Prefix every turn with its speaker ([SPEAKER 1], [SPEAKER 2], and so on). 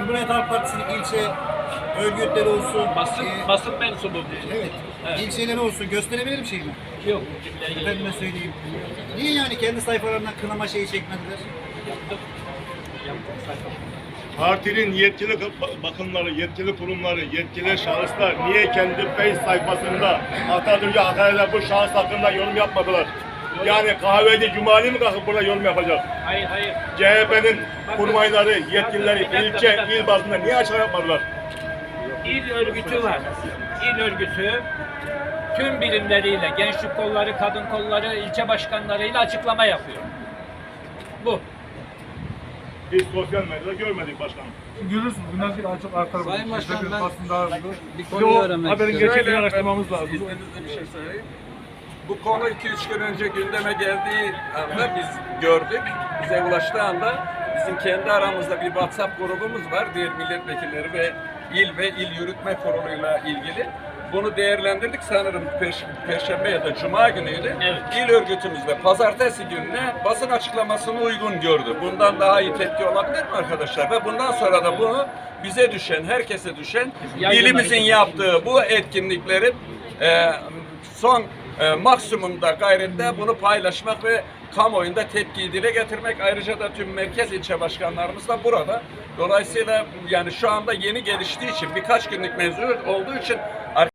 [SPEAKER 1] Cumhuriyet Halk Partisi'nin ilçe örgütleri olsun.
[SPEAKER 2] Basın mensubu.
[SPEAKER 1] Evet.
[SPEAKER 2] Evet.
[SPEAKER 1] İlçeleri olsun. Gösterebilir bir şey mi?
[SPEAKER 2] Yok.
[SPEAKER 1] Efendime söyleyeyim. Niye yani kendi sayfalarından kınama şeyi çekmediler?
[SPEAKER 2] Yaptık. Sayfa.
[SPEAKER 3] Partinin yetkili bakımları, yetkili kurumları, yetkili şahıslar niye kendi Face sayfasında Atatürk'e hakaret bu şahıs hakkında yorum yapmadılar? Yani kahveci Cumali mi kalkıp burada yorum yapacak?
[SPEAKER 2] Hayır.
[SPEAKER 3] CHP'nin kurmayları, yetkilileri ilçe, il bazında niye açıklama yapmadılar?
[SPEAKER 2] İl örgütü var. İl örgütü tüm birimleriyle, gençlik kolları, kadın kolları, ilçe başkanlarıyla açıklama yapıyor. Bu.
[SPEAKER 3] Biz sosyal medyada görmedik başkanım.
[SPEAKER 4] Görürsünüz. Bundan sonra çok artar.
[SPEAKER 5] Sayın Başkan, ben
[SPEAKER 4] bir
[SPEAKER 5] konuyu öğrenmek
[SPEAKER 4] haberin
[SPEAKER 5] istiyorum.
[SPEAKER 4] gerçekliğini araştırmamız lazım.
[SPEAKER 5] İzninizle bir şey söyleyeyim. Bu konu 2-3 gün önce gündeme geldiği anda biz gördük. Bize ulaştığı anda bizim kendi aramızda bir WhatsApp grubumuz var. Diğer milletvekilleri ve il yürütme kuruluyla ilgili. Bunu değerlendirdik sanırım Perşembe ya da Cuma günüydü.
[SPEAKER 2] Evet.
[SPEAKER 5] İl örgütümüz de pazartesi gününe basın açıklamasını uygun gördü. Bundan daha iyi tepki olabilir mi arkadaşlar? Ve bundan sonra da bunu bize düşen, herkese düşen ilimizin yaptığı bu etkinliklerin son maksimumda gayrette bunu paylaşmak ve kamuoyunda tepkiyi dile getirmek. Ayrıca da tüm merkez ilçe başkanlarımız da burada. Dolayısıyla yani şu anda yeni geliştiği için birkaç günlük mevzu olduğu için